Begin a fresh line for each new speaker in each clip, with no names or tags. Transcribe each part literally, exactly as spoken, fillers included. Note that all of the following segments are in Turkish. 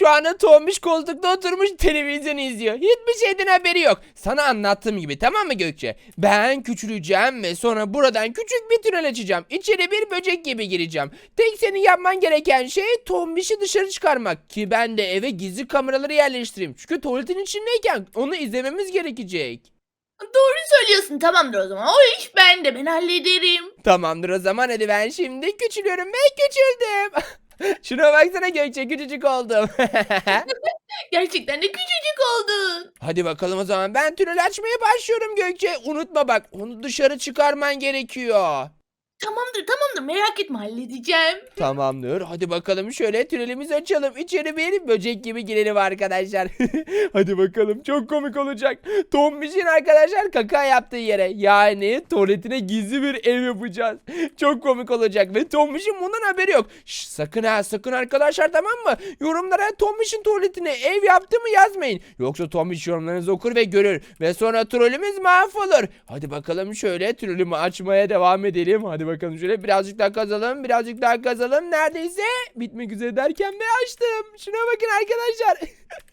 şu anda Tombiş koltukta oturmuş televizyon izliyor. Hiçbir şeyden haberi yok. Sana anlattığım gibi, tamam mı Gökçe? Ben küçüleceğim ve sonra buradan küçük bir tünel açacağım. İçeri bir böcek gibi gireceğim. Tek senin yapman gereken şey Tombiş'i dışarı çıkarmak. Ki ben de eve gizli kameraları yerleştireyim. Çünkü tuvaletin içindeyken onu izlememiz gerekecek.
Doğru söylüyorsun. Tamamdır o zaman. O iş bende. Ben hallederim.
Tamamdır o zaman, hadi ben şimdi küçülüyorum ve küçüldüm. Şuna baksana Gökçe, küçücük oldum.
Gerçekten de küçücük oldun.
Hadi bakalım o zaman, ben tünel açmaya başlıyorum Gökçe. Unutma bak, onu dışarı çıkarman gerekiyor.
Tamamdır tamamdır. Merak etme halledeceğim.
Tamamdır. Hadi bakalım, şöyle tünelimizi açalım. İçeri bir böcek gibi girelim arkadaşlar. Hadi bakalım, çok komik olacak. Tombiş'in arkadaşlar kaka yaptığı yere, yani tuvaletine gizli bir ev yapacağız. Çok komik olacak ve Tombiş'in bundan haberi yok. Şş, sakın ha sakın arkadaşlar, tamam mı? Yorumlara Tombiş'in tuvaletine ev yaptı mı yazmayın. Yoksa Tombiş yorumlarınızı okur ve görür. Ve sonra trollümüz mahvolur. Hadi bakalım, şöyle trollümü açmaya devam edelim. Hadi bakalım, şöyle birazcık daha kazalım. Birazcık daha kazalım. Neredeyse bitmek üzere derken ve açtım. Şuna bakın arkadaşlar.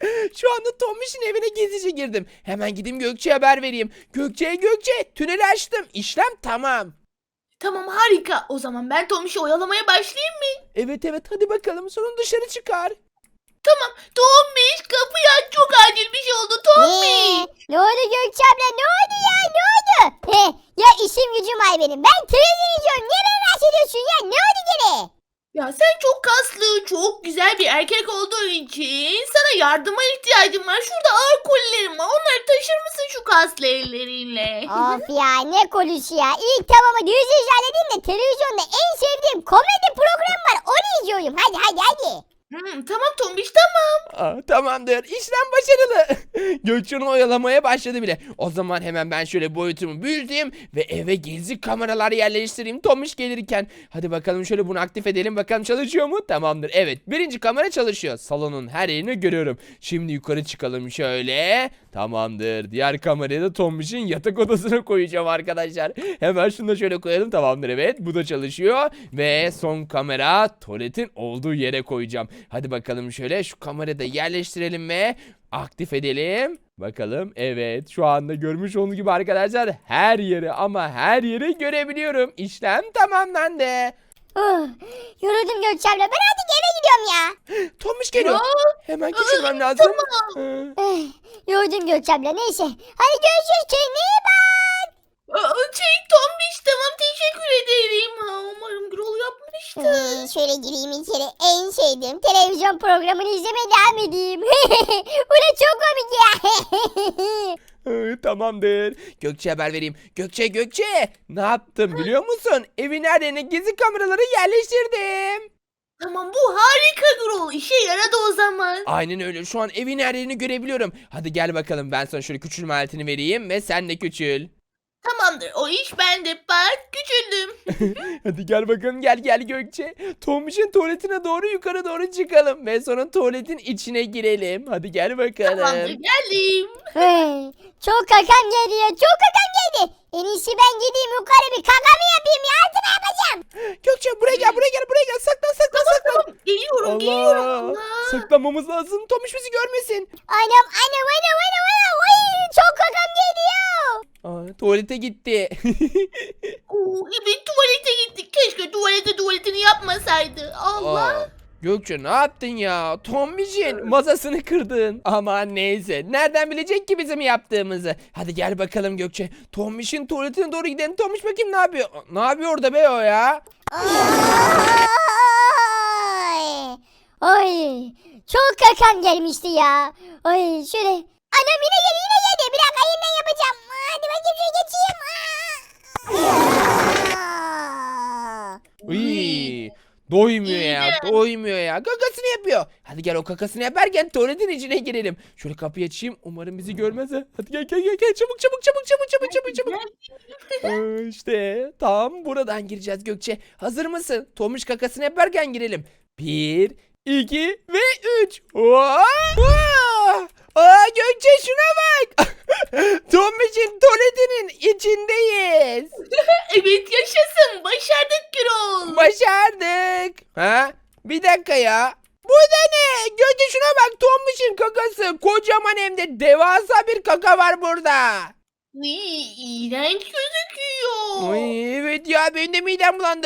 Şu anda Tombiş'in evine gizlice girdim. Hemen gideyim Gökçe'ye haber vereyim. Gökçe Gökçe, tüneli açtım. İşlem tamam.
Tamam harika. O zaman ben Tomiş'i oyalamaya başlayayım mı?
Evet evet, hadi bakalım, sonra dışarı çıkar.
Tamam. Tomiş kapıyı aç. Çok acil bir şey oldu. Tomiş.
Ee, ne oldu Gökçe abla, ne oldu ya, ne oldu? He, ya işim gücüm var benim. Ben televizyon izliyorum. Niye beni rahatsız ediyorsun ya? Ne oldu gene?
Ya sen çok kaslı, çok güzel bir erkek olduğun için sana yardıma ihtiyacım var. Şurada ağır kolilerim var. Onları taşır mısın şu kaslı ellerinle?
Of ya, ne konuşu ya. İlk tamam, hadi yüz yüze halledeyim de televizyonda en sevdiğim komedi programı var. Onu izliyorum. Hadi hadi hadi.
Hmm, tamam Tombiş tamam.
Aa, tamamdır. İşlem başarılı. Gökçen'i oyalamaya başladı bile. O zaman hemen ben şöyle boyutumu büyüteyim ve eve gizli kameralar yerleştireyim Tomiş gelirken. Hadi bakalım, şöyle bunu aktif edelim. Bakalım çalışıyor mu? Tamamdır. Evet. Birinci kamera çalışıyor. Salonun her yerini görüyorum. Şimdi yukarı çıkalım şöyle. Tamamdır. Diğer kamerayı da Tomiş'in yatak odasına koyacağım arkadaşlar. Hemen şunu da şöyle koyalım. Tamamdır, evet. Bu da çalışıyor. Ve son kamera tuvaletin olduğu yere koyacağım. Hadi bakalım, şöyle şu kamerayı da yerleştirelim ve aktif edelim. Bakalım, evet, şu anda görmüş olduğunuz gibi arkadaşlar her yeri, ama her yeri görebiliyorum. İşlem tamamlandı.
Oh, yoruldum Gökçe abla. Ben artık eve gidiyorum ya.
Tomiş geliyor.
Ya,
Hemen küçülmem lazım.
tamam.
Ee,
Eh, yoruldum Gökçe abla. Neyse. Hadi görüşürüz. Kendine iyi bak.
Aa, şey Tombiş tamam teşekkür ederim. Ha, umarım Gürol yapmıştır.
Ee, şöyle gireyim içeri. En sevdiğim televizyon programını izlemeye devam edeyim. Bu da çok komik ya.
Ee, Tamamdır. Gökçe haber vereyim. Gökçe Gökçe. Ne yaptım biliyor musun? Evin her yerine gizli kameraları yerleştirdim.
Tamam bu harika Gürol. İşe yaradı o zaman.
Aynen öyle. Şu an evin her yerini görebiliyorum. Hadi gel bakalım, ben sana şöyle küçülme aletini vereyim ve sen de küçül.
Tamamdır o iş bende. Bak küçüldüm.
Hadi gel bakalım, gel gel Gökçe. Tombiş'in tuvaletine doğru yukarı doğru çıkalım ve sonra tuvaletin içine girelim. Hadi gel bakalım.
Tamamdır geldim.
Hey, çok kakam geldi ya. Çok kakam geldi. En iyisi ben gideyim yukarı bir kakamı yapayım ya. Artık ne yapacağım?
Gökçe buraya gel, buraya gel, buraya gel. Saklan saklan saklan.
Tamam geliyorum geliyorum.
Allah.
Allah.
Saklanmamız lazım. Tombiş bizi görmesin.
Anam anam anam anam anam. Ay, çok kakam geldi ya.
Aa, tuvalete gitti.
Oo, evet tuvalete gittik. Keşke tuvalete tuvaletini yapmasaydı. Allah.
Aa, Gökçe ne yaptın ya? Tombiş'in masasını kırdın. Aman neyse. Nereden bilecek ki bizim yaptığımızı? Hadi gel bakalım Gökçe. Tombiş'in tuvaletine doğru gidelim. Tombiş bakayım ne yapıyor? Ne yapıyor orada be o ya?
Ay. Ay. Çok kakam gelmişti ya. Ay şöyle. Anam yine geldi yine geldi. Bir dakika yeniden yapacağım. Hadi bakayım şöyle geçeyim. Aa.
Uy, doymuyor ya. Doymuyor ya. Kakasını yapıyor. Hadi gel, o kakasını yaparken tuvaletin içine girelim. Şöyle kapıyı açayım. Umarım bizi görmez ha. Hadi gel gel gel gel. Çabuk çabuk çabuk çabuk çabuk çabuk çabuk. Ee, işte tam buradan gireceğiz Gökçe. Hazır mısın? Tomuş kakasını yaparken girelim. Bir, iki ve üç. Aa, Aa, Gökçe şuna bak. Tomuş'un tuvaletinin içindeyiz.
Evet yaşasın. Başardık Gürol.
Başardık. Ha? Bir dakika ya. Bu da ne? Gökçe şuna bak, Tombiş'in kakası. Kocaman hem de devasa bir kaka var burada.
Iy, iğrenç gözüküyor.
Ay, evet ya, benim de midem bulandı.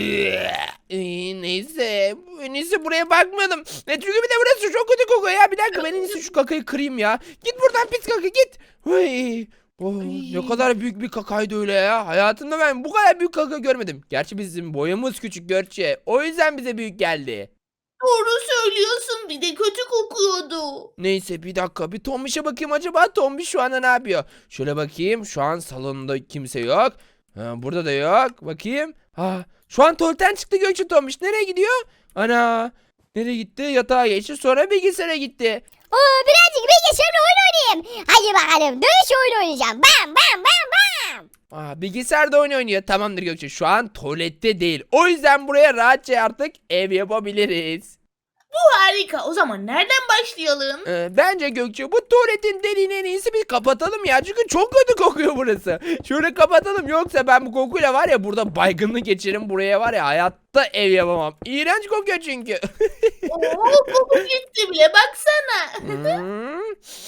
Ay, neyse. En iyisi buraya bakmayalım. E, çünkü bir de burası çok kötü kokuyor ya. Bir dakika, ben en iyisi şu kakayı kırayım ya. Git buradan pis kaka, git. Ay. Oh, ne kadar büyük bir kakaydı öyle ya. Hayatımda ben bu kadar büyük kaka görmedim. Gerçi bizim boyumuz küçük Gökçe. O yüzden bize büyük geldi.
Doğru söylüyorsun. Bir de kötü kokuyordu.
Neyse, bir dakika, bir Tombiş'e bakayım, acaba Tombiş şu anda ne yapıyor? Şöyle bakayım, şu an salonda kimse yok. Ha, burada da yok. Bakayım. Ha, şu an tuvaletten çıktı Gökçe Tombiş. Nereye gidiyor? Ana. Nereye gitti? Yatağa geçti, sonra bilgisayara gitti.
Oo, birazcık bilgisayarla oyun oynayayım. Hadi bakalım dövüş oyunu oynayacağım. Bam bam bam bam.
Aa, bilgisayarda oyun oynuyor. Tamamdır Gökçe. Şu an tuvalette değil. O yüzden buraya rahatça artık ev yapabiliriz.
Bu harika. O zaman nereden başlayalım?
Ee, bence Gökçe, bu tuvaletin deliğini en iyisi bir kapatalım ya. Çünkü çok kötü kokuyor burası. Şöyle kapatalım, yoksa ben bu kokuyla var ya burada baygınlık geçiririm. Buraya var ya hayatta ev yapamam. İğrenç kokuyor çünkü.
Oo, koku gitti bile. Baksana.
Hmm.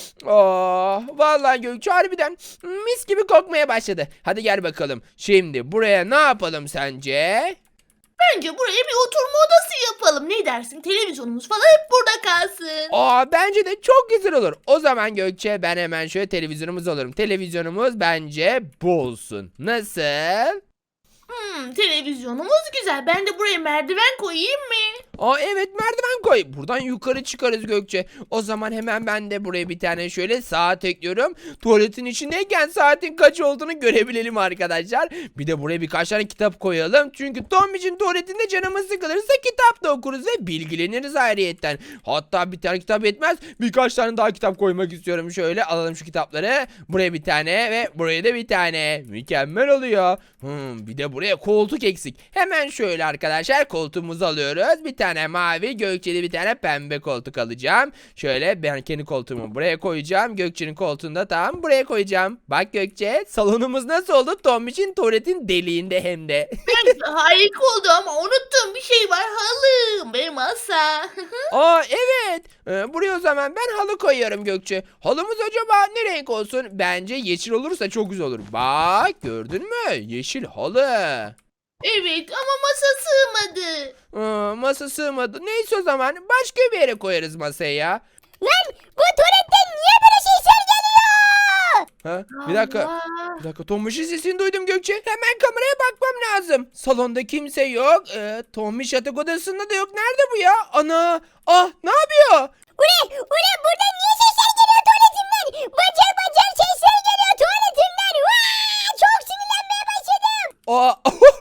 Oh, vallahi Gökçe harbiden mis gibi kokmaya başladı. Hadi gel bakalım. Şimdi buraya ne yapalım sence?
Bence buraya bir oturma odası yapalım. Ne dersin? Televizyonumuz falan hep burada kalsın.
Aa, bence de çok güzel olur. O zaman Gökçe, ben hemen şöyle televizyonumuz alırım. Televizyonumuz bence bu olsun. Nasıl?
Hmm, televizyonumuz güzel. Ben de buraya merdiven koyayım mı?
Aa, evet, merdiven koy. Buradan yukarı çıkarız Gökçe. O zaman hemen ben de buraya bir tane şöyle saat ekliyorum. Tuvaletin içindeyken saatin kaç olduğunu görebilelim arkadaşlar. Bir de buraya birkaç tane kitap koyalım. Çünkü Tombiş'in tuvaletinde canımız sıkılırsa kitap da okuruz ve bilgileniriz ayrıyetten. Hatta bir tane kitap yetmez. Birkaç tane daha kitap koymak istiyorum. Şöyle alalım şu kitapları. Buraya bir tane ve buraya da bir tane. Mükemmel oluyor. Hmm, bir de buraya koltuk eksik. Hemen şöyle arkadaşlar koltuğumuzu alıyoruz. Bir tane mavi, Gökçe'de bir tane pembe koltuk alacağım. Şöyle ben kendi koltuğumu buraya koyacağım. Gökçe'nin koltuğunu da tam buraya koyacağım. Bak Gökçe, salonumuz nasıl oldu? Tombiş'in tuvaletin deliğinde hem de.
Bence harika oldu ama unuttuğum bir şey var. Halım ve masa.
Aa, evet. Ee, buraya o zaman ben halı koyuyorum Gökçe. Halımız acaba ne renk olsun? Bence yeşil olursa çok güzel olur. Bak, gördün mü? Yeşil halı.
Evet ama masa sığmadı.
Aa, masa sığmadı. Neyse, o zaman başka bir yere koyarız masayı ya.
Lan bu tuvaletten niye böyle sesler geliyor?
Ha? Bir dakika.
Allah.
Bir dakika, Tombiş'in sesini duydum Gökçe. Hemen kameraya bakmam lazım. Salonda kimse yok. Ee, Tombiş yatak odasında da yok. Nerede bu ya? Ana. Ah, ne yapıyor?
Ulan ulan buradan niye sesler geliyor tuvaletimden? Bacak bacak sesler geliyor tuvaletimden. Vaa, çok sinirlenmeye başladım.
Aa.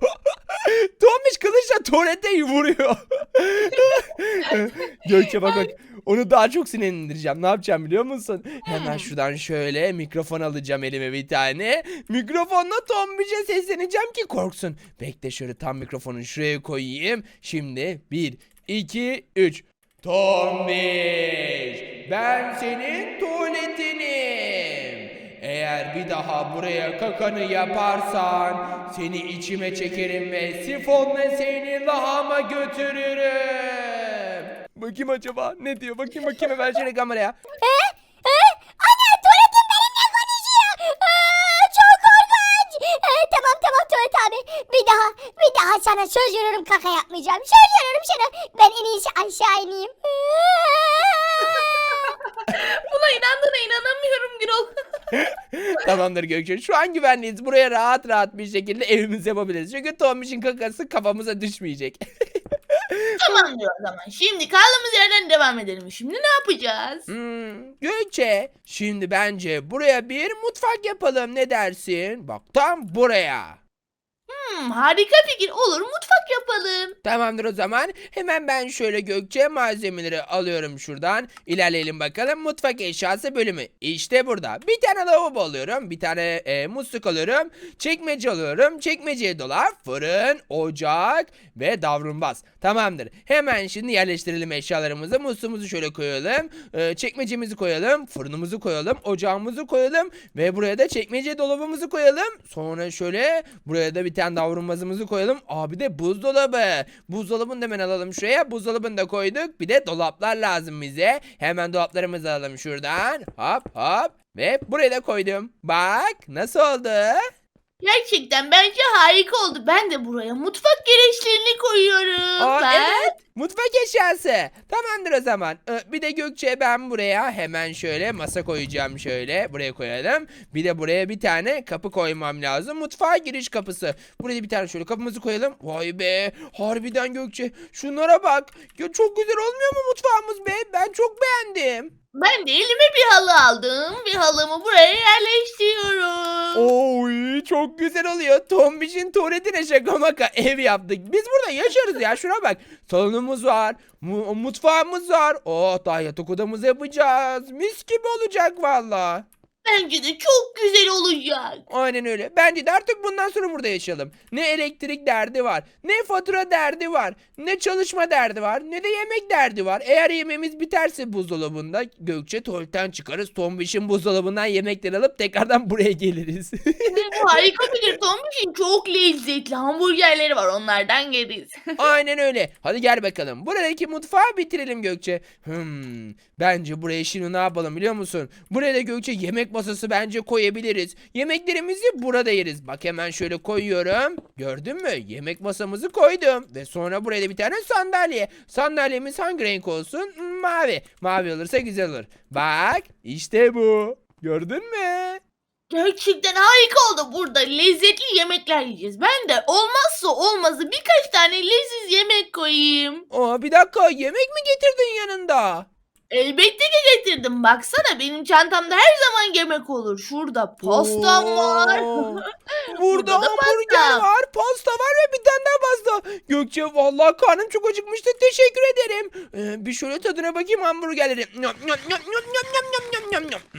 Tombiş kılıçla tuvalete vuruyor. Gökçe bak bak. Onu daha çok sinirlendireceğim. Ne yapacağım biliyor musun? Hemen şuradan şöyle mikrofon alacağım elime bir tane. Mikrofonla Tombiş'e sesleneceğim ki korksun. Bekle, şöyle tam mikrofonu şuraya koyayım. Şimdi bir, iki, üç. Tombiş, ben senin tuvaletinim. Eğer bir daha buraya kakanı yaparsan seni içime çekerim ve sifonla seni lahama götürürüm. Bakayım acaba ne diyor? Bakayım bakayım hemen şöyle kameraya.
He? He? Ana tuvaletim benimle konuşuyor. Aa, çok korkunç. Ee, tamam tamam tuvalet abi. Bir daha bir daha sana söz veriyorum kaka yapmayacağım. Söz veriyorum sana. Ben en iyisi aşağı ineyim.
Buna inandığına inanamıyorum Gürol.
Tamamdır Gökçe. Şu an güvenliyiz. Buraya rahat rahat bir şekilde evimizi yapabiliriz. Çünkü Tombiş'in kakası kafamıza düşmeyecek.
Tamam diyor o zaman. Şimdi kaldığımız yerden devam edelim. Şimdi ne yapacağız?
Hmm, Gökçe, şimdi bence buraya bir mutfak yapalım. Ne dersin? Bak, tam buraya.
Hmm, harika fikir. Olur, mutfak yapalım.
Tamamdır o zaman. Hemen ben şöyle Gökçe malzemeleri alıyorum şuradan. İlerleyelim bakalım. Mutfak eşyası bölümü. İşte burada. Bir tane lavabo alıyorum. Bir tane e, musluk alıyorum. Çekmece alıyorum. Çekmeceye dolap, fırın, ocak ve davlumbaz. Tamamdır. Hemen şimdi yerleştirelim eşyalarımızı. Musluğumuzu şöyle koyalım. E, çekmecemizi koyalım. Fırınımızı koyalım. Ocağımızı koyalım. Ve buraya da çekmece dolabımızı koyalım. Sonra şöyle buraya da bir tane davlumbazımızı koyalım. Abi de buzdolabı. Buzdolabını da hemen alalım şuraya. Buzdolabını da koyduk. Bir de dolaplar lazım bize. Hemen dolaplarımızı alalım şuradan. Hop hop. Ve buraya da koydum. Bak nasıl oldu?
Gerçekten bence harika oldu. Ben de buraya mutfak gereçlerini koyuyorum.
Aa,
ben.
evet. Mutfak eşyası. Tamamdır o zaman. Ee, Bir de Gökçe ben buraya hemen şöyle masa koyacağım şöyle. Buraya koyalım. Bir de buraya bir tane kapı koymam lazım. Mutfağa giriş kapısı. Buraya bir tane şöyle kapımızı koyalım. Vay be. Harbiden Gökçe. Şunlara bak. Ya çok güzel olmuyor mu mutfağımız be? Ben çok beğendim.
Ben de elime bir halı aldım. Bir halımı buraya yerleştiriyorum.
Oy çok güzel oluyor. Tombiş'in tuvaletine şaka maka ev yaptık. Biz burada yaşarız ya. Şuna bak. Salonumuz var. Mu- mutfağımız var. Oh daha yatak odamızı yapacağız. Mis gibi olacak valla.
Bence de çok güzel olacak.
Aynen öyle. Bence de artık bundan sonra burada yaşayalım. Ne elektrik derdi var, ne fatura derdi var, ne çalışma derdi var, ne de yemek derdi var. Eğer yemeğimiz biterse buzdolabında Gökçe tuvaletten çıkarız. Tombiş'in buzdolabından yemekleri alıp tekrardan buraya geliriz.
Bu harika bir Tombiş'in çok lezzetli hamburgerleri var. Onlardan yeriz.
Aynen öyle. Hadi gel bakalım. Buradaki mutfağı bitirelim Gökçe. Hmm, bence buraya şimdi ne yapalım biliyor musun? Buraya da Gökçe yemek masası bence koyabiliriz. Yemeklerimizi burada yeriz. Bak hemen şöyle koyuyorum. Gördün mü? Yemek masamızı koydum. Ve sonra buraya da bir tane sandalye. Sandalyemiz hangi renk olsun? Hmm, mavi. Mavi olursa güzel olur. Bak işte bu. Gördün mü?
Gerçekten harika oldu. Burada lezzetli yemekler yiyeceğiz. Ben de olmazsa olmazı birkaç tane leziz yemek koyayım.
Aa, bir dakika yemek mi getirdin yanında?
Elbette ki getirdim. Baksana benim çantamda her zaman yemek olur. Şurada pastam var.
Oo. Burada
Burada da
hamburger
pasta.
var, pasta var ve bir tane daha pasta. Gökçe vallahi karnım çok acıkmıştı. Teşekkür ederim. Ee, bir şöyle tadına bakayım hamburgerleri. Nyam, nyam, nyam, nyam, nyam, nyam, nyam, nyam, nyam.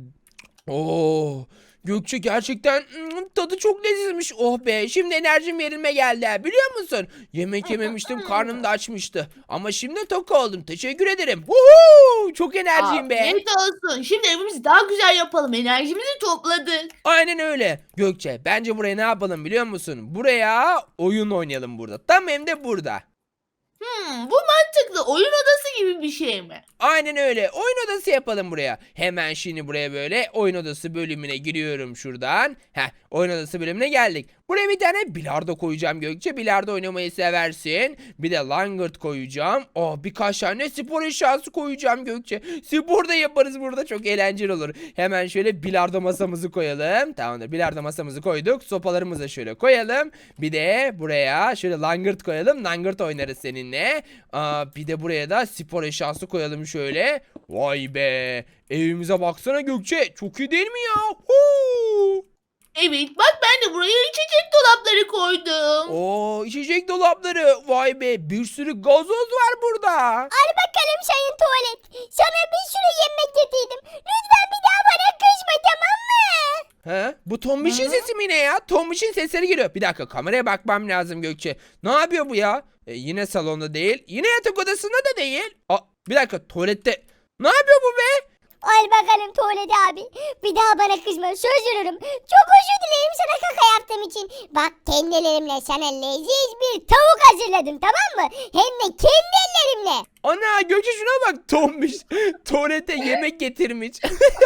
Oo. Gökçe gerçekten mm, tadı çok lezzetmiş. Oh be şimdi enerjim yerime geldi. Biliyor musun? Yemek yememiştim karnım da açmıştı. Ama şimdi tok oldum. Teşekkür ederim. Woohoo! Çok enerjiyim be.
Afiyet olsun. Şimdi evimizi daha güzel yapalım. Enerjimizi topladık.
Aynen öyle. Gökçe bence buraya ne yapalım biliyor musun? Buraya oyun oynayalım burada. Tam hem de burada.
Hmm, bu mantıklı. Oyun odası gibi bir şey mi?
Aynen öyle. Oyun odası yapalım buraya. Hemen şimdi buraya böyle oyun odası bölümüne giriyorum şuradan. Heh, oyun odası bölümüne geldik. Buraya bir tane bilardo koyacağım Gökçe. Bilardo oynamayı seversin. Bir de langırt koyacağım. Oh birkaç tane spor eşyası koyacağım Gökçe. Spor da yaparız burada. Çok eğlenceli olur. Hemen şöyle bilardo masamızı koyalım. Tamamdır. Bilardo masamızı koyduk. Sopalarımızı da şöyle koyalım. Bir de buraya şöyle langırt koyalım. Langırt oynarız seninle. Aa, bir de buraya da spor eşyası koyalım şöyle. Vay be. Evimize baksana Gökçe. Çok iyi değil mi ya? Huu.
Evet bak ben de buraya içecek dolapları koydum.
Oo, içecek dolapları. Vay be. Bir sürü gazoz var burada.
Al bakalım sayın tuvalet. Sana bir sürü yemek getirdim. Lütfen bir daha bana kızma tamam mı?
He? Bu Tombiş'in sesi mi ne ya? Tombiş'in sesleri geliyor. Bir dakika kameraya bakmam lazım Gökçe. Ne yapıyor bu ya? E, yine salonda değil. Yine yatak odasında da değil. Aa, bir dakika tuvalette. Ne yapıyor bu be?
Al bakalım tuvalet abi. Bir daha bana kızma söz veriyorum. Çok özür dilerim sana kaka yaptığım için. Bak kendi ellerimle sana leziz bir tavuk hazırladım tamam mı? Hem de kendi ellerimle.
Ana Gökçe şuna bak Tombiş. Tuvalete yemek getirmiş.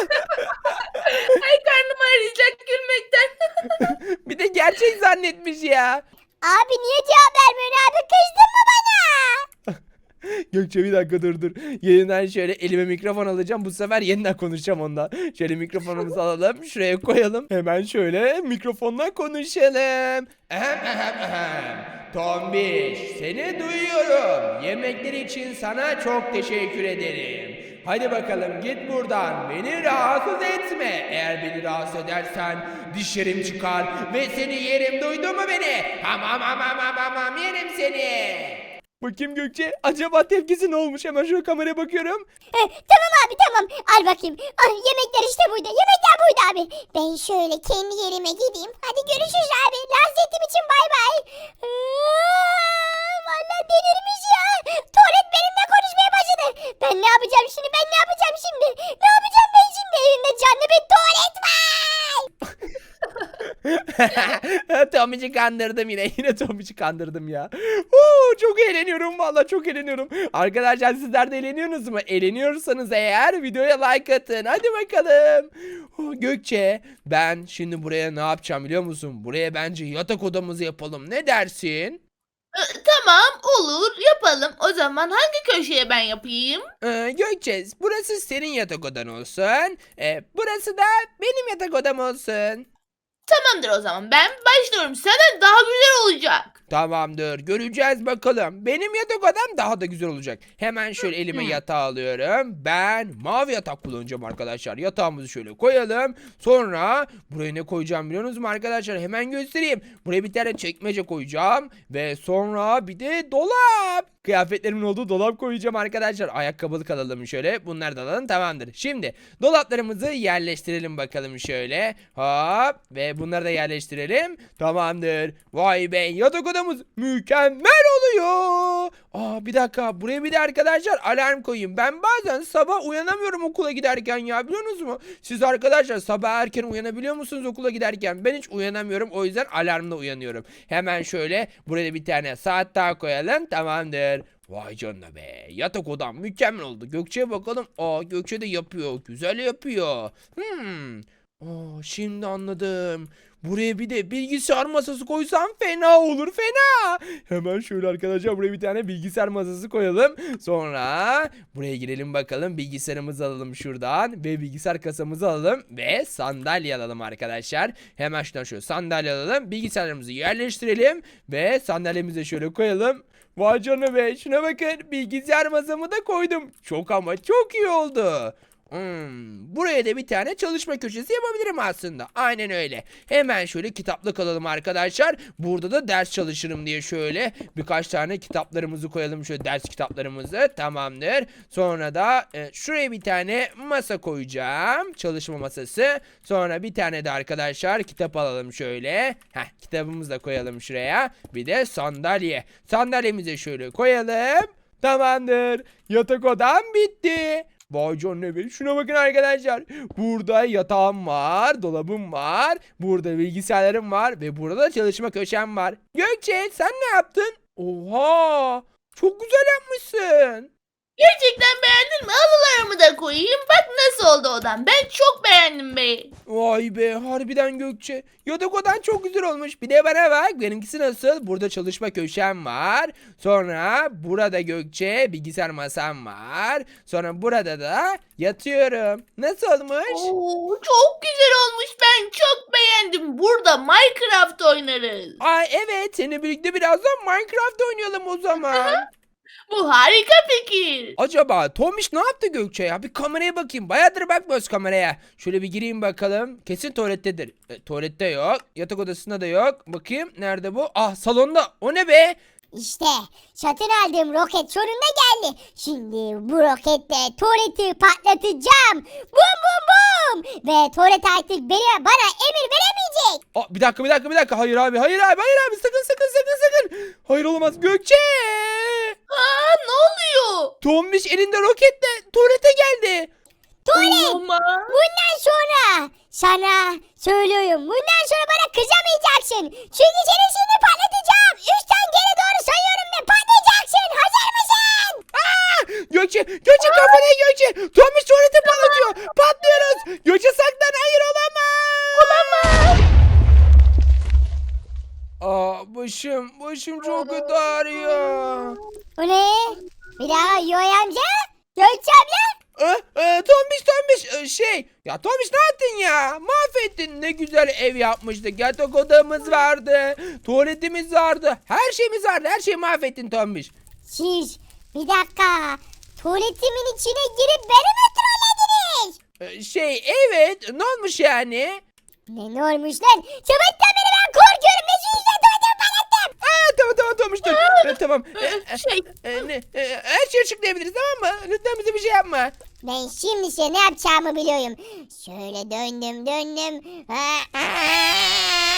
Ay karnım ağrıyacak gülmekten.
Bir de gerçek zannetmiş ya.
Abi niye cevap vermiyorsun abi kızdın mı bana?
Gökçe bir dakika dur dur. Yeniden şöyle elime mikrofon alacağım. Bu sefer yeniden konuşacağım ondan. Şöyle mikrofonumuzu alalım. Şuraya koyalım. Hemen şöyle mikrofonla konuşalım. Ehem ehem ehem. Tombiş seni duyuyorum. Yemekleri için sana çok teşekkür ederim. Hadi bakalım git buradan. Beni rahatsız etme. Eğer beni rahatsız edersen dişlerim çıkar ve seni yerim. Duydun mu beni? Hamam hamam hamam hamam yerim seni. Bakayım Gökçe. Acaba tepkisi ne olmuş? Hemen şöyle kameraya bakıyorum.
Eh, tamam abi tamam. Al bakayım. Al, yemekler işte burada. Yemekler burada abi. Ben şöyle kendi yerime gideyim. Hadi görüşürüz abi. Lazetim için bay bay. Aa, vallahi delirmiş ya. Tuvalet benimle konuşmaya başladı. Ben ne yapacağım şimdi? Ben ne yapacağım şimdi? Ne yapacağım ben şimdi? Evimde canlı bir tuvalet var.
Tomiş'i kandırdım yine. Yine Tomiş'i kandırdım ya. Oo, çok eğleniyorum valla, çok eğleniyorum. Arkadaşlar sizler de eğleniyorsunuz mu? Eğleniyorsanız eğer videoya like atın. Hadi bakalım. Oh, Gökçe, ben şimdi buraya ne yapacağım biliyor musun? Buraya bence yatak odamızı yapalım. Ne dersin?
Ee, Tamam, olur, yapalım. O zaman hangi köşeye ben yapayım?
Ee, Gökçe, burası senin yatak odan olsun. Ee, burası da benim yatak odam olsun.
Tamamdır o zaman. Ben başlıyorum. Senden daha güzel olacak.
Tamamdır. Göreceğiz bakalım. Benim yatak odam daha da güzel olacak. Hemen şöyle elime
Hı.
yatağı alıyorum. Ben mavi yatak kullanacağım arkadaşlar. Yatağımızı şöyle koyalım. Sonra buraya ne koyacağım biliyor musunuz arkadaşlar? Hemen göstereyim. Buraya bir tane çekmece koyacağım. Ve sonra bir de dolap. Kıyafetlerimin olduğu dolap koyacağım arkadaşlar. Ayakkabılık alalım şöyle. Bunları da alalım, tamamdır. Şimdi dolaplarımızı yerleştirelim bakalım şöyle. Hop. Ve bunları da yerleştirelim. Tamamdır. Vay be, yatak odamız mükemmel oluyor. Aa, bir dakika, buraya bir de arkadaşlar alarm koyayım. Ben bazen sabah uyanamıyorum okula giderken ya, biliyor musunuz? Siz arkadaşlar sabah erken uyanabiliyor musunuz okula giderken? Ben hiç uyanamıyorum, o yüzden alarmla uyanıyorum. Hemen şöyle buraya bir tane saat daha koyalım, tamamdır. Vay canına be, yatak odam mükemmel oldu. Gökçe'ye bakalım. Aa, Gökçe de yapıyor, güzel yapıyor. Hmm. Aa, şimdi anladım. Buraya bir de bilgisayar masası koysam fena olur, fena. Hemen şöyle arkadaşlar buraya bir tane bilgisayar masası koyalım. Sonra buraya girelim bakalım. Bilgisayarımızı alalım şuradan. Ve bilgisayar kasamızı alalım. Ve sandalye alalım arkadaşlar. Hemen şuradan şöyle sandalye alalım. Bilgisayarımızı yerleştirelim. Ve sandalyemizi şöyle koyalım. Vay canına be, şuna bakın. Bilgisayar masamı da koydum. Çok ama çok iyi oldu. Hmm, buraya da bir tane çalışma köşesi yapabilirim aslında. Aynen öyle. Hemen şöyle kitaplık alalım arkadaşlar. Burada da ders çalışırım diye şöyle birkaç tane kitaplarımızı koyalım. Şöyle ders kitaplarımızı. Tamamdır. Sonra da e, şuraya bir tane masa koyacağım. Çalışma masası. Sonra bir tane de arkadaşlar kitap alalım şöyle. Heh, kitabımızı da koyalım şuraya. Bir de sandalye. Sandalyemizi şöyle koyalım. Tamamdır. Yatak odam bitti. Vay canına be, şuna bakın arkadaşlar. Burada yatağım var, dolabım var. Burada bilgisayarlarım var ve burada da çalışma köşem var. Gökçe, sen ne yaptın? Oha! Çok güzel yapmışsın.
Gerçekten beğendin mi? Halılarımı da koyayım. Bak nasıl oldu odam. Ben çok beğendim be.
Vay be, harbiden Gökçe. Yatak odan çok güzel olmuş. Bir de bana bak, benimkisi nasıl? Burada çalışma köşem var. Sonra burada Gökçe bilgisayar masam var. Sonra burada da yatıyorum. Nasıl olmuş?
Oo, çok güzel olmuş. Ben çok beğendim. Burada Minecraft oynarız.
Ay evet, seninle birlikte birazdan Minecraft oynayalım o zaman.
Bu harika fikir.
Acaba Tomiş ne yaptı Gökçe ya? Bir kameraya bakayım. Bayağıdır bakmıyoruz kameraya. Şöyle bir gireyim bakalım. Kesin tuvalettedir. E, tuvalette yok. Yatak odasında da yok. Bakayım nerede bu? Ah, salonda. O ne be?
İşte satın aldığım roket sonunda geldi. Şimdi bu roketle tuvaleti patlatacağım. Bum bum bum. Ve tuvalet artık beni, bana emir veremeyecek.
Aa, bir dakika bir dakika bir dakika. Hayır abi hayır abi hayır abi. Sakın sakın sakın sakın. Hayır, olamaz. Gökçe.
Aa, ne oluyor?
Tombiş elinde roketle tuvalete geldi.
Tuvalet.
Olamaz.
Bundan sonra sana söylüyorum. Bundan sonra bana kızamayacaksın. Çünkü seni şimdi patlatacağım. Üçten geri doğru sayıyorum ve patlayacaksın. Hazır mısın?
Aa! Gökçe, Gökçe kafana Gökçe. Tombiş tuvalete patlatıyor. Patlıyoruz. Gökçe saklan. Hayır, olamaz.
Olamaz.
Aa, başım, başım çok kötü ağrıyor.
Bu ne? Bir daha Yoy amca? Gökçe abla?
Ee, e, Tombiş Tombiş e, şey ya Tombiş ne yaptın ya, mahvettin. Ne güzel ev yapmıştık, yatak odamız vardı, tuvaletimiz vardı, her şeyimiz vardı, her şeyi mahvettin Tombiş.
Siz bir dakika. Tuvaletimin içine girip beni mi trollediniz?
Ee, şey evet, ne olmuş yani?
Ne ne olmuş lan? Sabahtan beri ben korkuyorum. Ne yüzden tuvaletimi patlattım?
Aa, tamam tamam Tombiş dur. Ee, tamam Ee, e,
Şey,
e, ne, e, her şeyi açıklayabiliriz, tamam mı? Lütfen bize bir şey yapma.
Ben şimdi size ne yapacağımı biliyorum. Şöyle döndüm döndüm. Aa, aa,